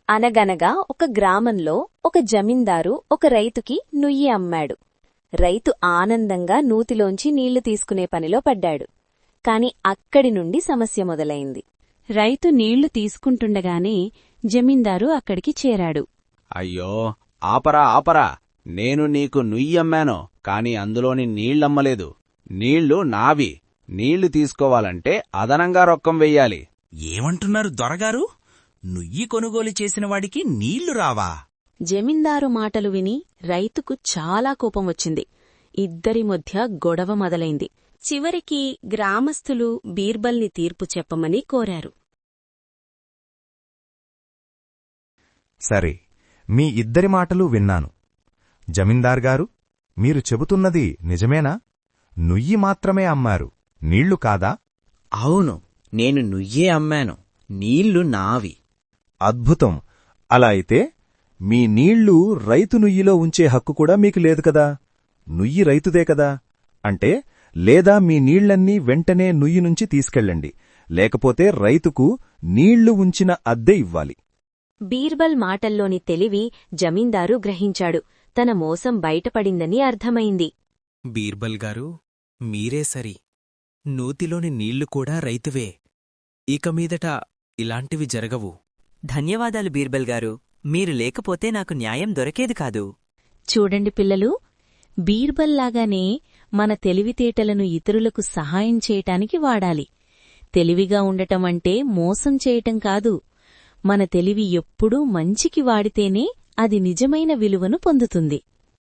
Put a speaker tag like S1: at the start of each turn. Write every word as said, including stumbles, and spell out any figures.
S1: అనగనగా ఒక గ్రామంలో ఒక జమీందారు ఒక రైతుకి నుయ్యి అమ్మాడు. రైతు ఆనందంగా నూతిలోంచి నీళ్లు తీసుకునే పనిలో పడ్డాడు. కాని అక్కడి నుండి సమస్య మొదలైంది.
S2: రైతు నీళ్లు తీసుకుంటుండగానే జమీందారు అక్కడికి చేరాడు.
S3: అయ్యో, ఆపరా ఆపరా, నేను నీకు నుయ్యమ్మాను, కాని అందులోని నీళ్లమ్మలేదు. నీళ్లు నావి. నీళ్లు తీసుకోవాలంటే అదనంగా రొక్కం వెయ్యాలి.
S4: ఏమంటున్నారు దొరగారు? నుయ్యి కొనుగోలు చేసినవాడికి నీళ్లు రావా?
S2: జమీందారు మాటలు విని రైతుకు చాలా కోపం వచ్చింది. ఇద్దరి మధ్య గొడవ మొదలైంది. చివరికి గ్రామస్థులు బీర్బల్ని తీర్పు చెప్పమని కోరారు.
S5: సరే, మీ ఇద్దరి మాటలు విన్నాను. జమీందార్గారు, మీరు చెబుతున్నది నిజమేనా? నుయ్యి మాత్రమే అమ్మారు, నీళ్లు కాదా?
S6: అవును, నేను నుయ్యే అమ్మాను, నీళ్లు నావి.
S5: అద్భుతం. అలా అయితే మీ నీళ్లు రైతు నుయ్యిలో ఉంచే హక్కు కూడా మీకు లేదు కదా? నుయ్యి రైతుదే కదా? అంటే లేదా మీ నీళ్లన్నీ వెంటనే నుయ్యి నుంచి తీసుకెళ్ళండి, లేకపోతే రైతుకు నీళ్లు ఉంచిన అద్దె ఇవ్వాలి.
S1: బీర్బల్ మాటల్లోని తెలివి జమీందారు గ్రహించాడు. తన మోసం బయటపడిందని అర్థమైంది.
S4: బీర్బల్ గారు, మీరే సరి. నూతిలోని నీళ్లు కూడా రైతువే. ఇక మీదట ఇలాంటివి జరగవు.
S7: ధన్యవాదాలు బీర్బల్ గారు. మీరు లేకపోతే నాకు న్యాయం దొరకేది కాదు.
S2: చూడండి పిల్లలు, బీర్బల్లాగానే మన తెలివితేటలను ఇతరులకు సహాయం చేయటానికి వాడాలి. తెలివిగా ఉండటమంటే మోసం చేయటం కాదు. మన తెలివి ఎప్పుడూ మంచికి వాడితేనే అది నిజమైన విలువను పొందుతుంది.